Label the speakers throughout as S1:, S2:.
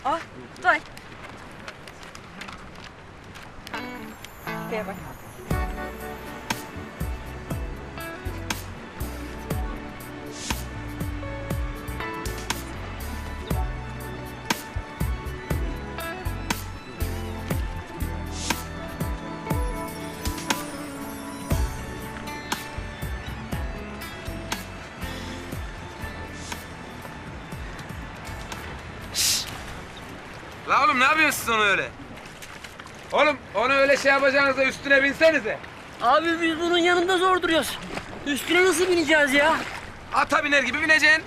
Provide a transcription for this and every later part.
S1: Ah, dur. Şuraya bak.
S2: La oğlum ne yapıyorsunuz onu öyle? Oğlum onu öyle şey yapacağınızda üstüne binsenize.
S3: Abi biz bunun yanında zor duruyoruz. Üstüne nasıl bineceğiz ya?
S2: Ata biner gibi bineceksin.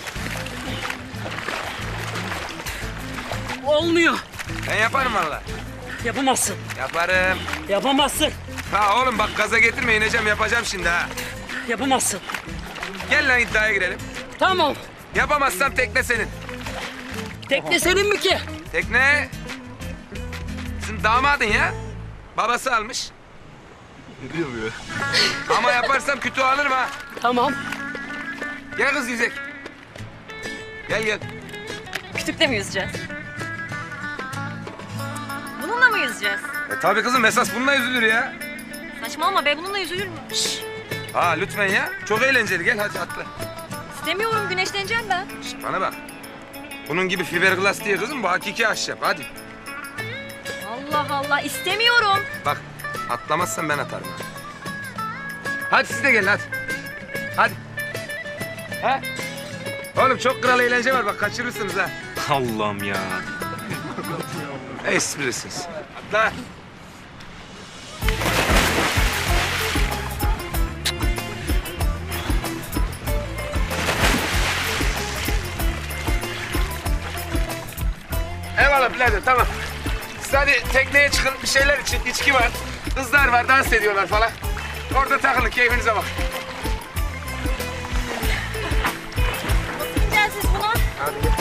S3: Olmuyor.
S2: Ben yaparım valla.
S3: Yapamazsın.
S2: Yaparım.
S3: Yapamazsın.
S2: Ha oğlum bak gaza getirme, ineceğim, yapacağım şimdi ha.
S3: Yapamazsın.
S2: Gel lan iddiaya girelim.
S3: Tamam.
S2: Yapamazsam tekne senin.
S3: Tekne senin mi ki?
S2: Tekne... Sizin damadın ya. Babası almış.
S4: Ne diyor bu ya?
S2: Ama yaparsam kütüğü alırım ha.
S3: Tamam.
S2: Gel kız yüzek. Gel gel.
S1: Kütükle mi yüzeceğiz? Bununla mı yüzeceğiz?
S2: Tabii kızım, esas bununla yüzülür ya.
S1: Saçmalama be, bununla yüzülür mü?
S2: Ha lütfen ya. Çok eğlenceli, gel hadi atla.
S1: İstemiyorum, güneşleneceğim ben.
S2: Bana bak. Bunun gibi fiberglass değil kızım, bu hakiki ahşap. Hadi.
S1: Allah Allah, istemiyorum.
S2: Bak, atlamazsan ben atarım. Hadi siz de gelin hadi. Hadi. Ha? Oğlum çok kral eğlence var, bak kaçırırsınız ha.
S4: Allah'ım ya.
S2: Esprisiniz. Atla. Eyvallah birader, tamam. Siz hadi tekneye çıkın, bir şeyler için, içki var. Kızlar var, dans ediyorlar falan. Orada takılın, keyfinize bak.
S1: Nasıl gideceğiz siz buna?
S2: Hadi gel.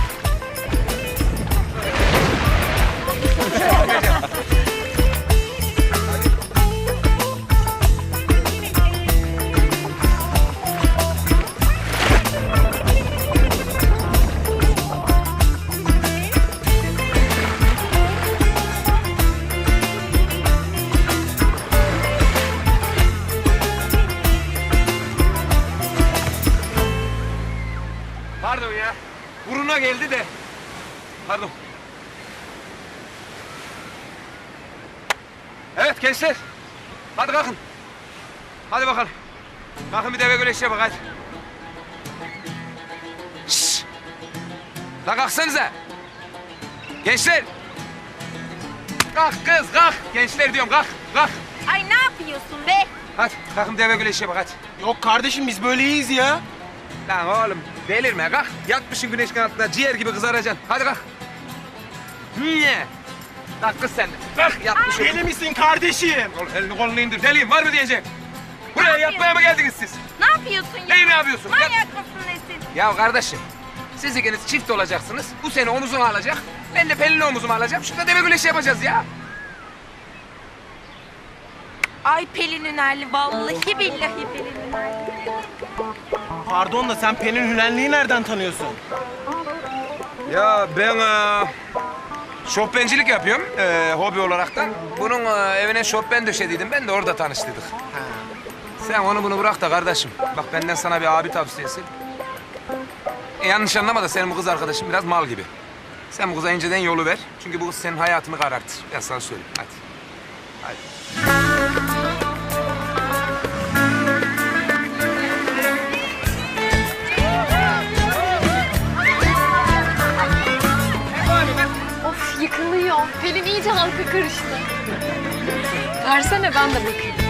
S2: Pardon ya. Buruna geldi de. Pardon. Evet gençler. Hadi kalkın. Hadi bakalım. Kalkın bir deve güreşe bak hadi. Şşş. La kalksanıza. Gençler. Kalk kız kalk. Gençler diyorum kalk. Kalk.
S1: Ay ne yapıyorsun be?
S2: Hadi kalkın deve güreşe bak hadi.
S5: Yok kardeşim biz böyle iyiyiz ya.
S2: Lan oğlum delirme kalk. Yatmışsın güneşin altında ciğer gibi kızaracaksın. Hadi kalk. Niye? Kalk kız sen de. Kalk yatmışsın.
S5: Deli misin kardeşim?
S2: Oğlum elini kolunu indir. Deliyim var mı diyeceğim. Buraya yatmaya mı geldiniz siz?
S1: Ne yapıyorsun ya?
S2: Neyi ne yapıyorsun?
S1: Manyak mısın nesin?
S2: Ya kardeşim, siz ikiniz çift olacaksınız. Bu seni omuzuna alacak. Ben de Pelin'i omuzuma alacağım. Şurada deve güreşi yapacağız ya.
S1: Ay Pelin'in hali, vallahi billahi Pelin'in hali.
S5: Pardon da sen Pelin Hülenli'yi nereden tanıyorsun?
S2: Ya ben şofbencilik yapıyorum hobi olaraktan. Bunun evine şofben döşediydim. Ben de orada tanıştıydık. Sen onu bunu bırak da kardeşim. Bak benden sana bir abi tavsiyesi. Yanlış anlama da senin bu kız arkadaşın biraz mal gibi. Sen bu kıza inceden yolu ver. Çünkü bu kız senin hayatını karartır. Ben sana söyleyeyim. Hadi. Hadi.
S6: Of yıkılıyor. Pelin iyice halka karıştı. Versene ben de bakayım.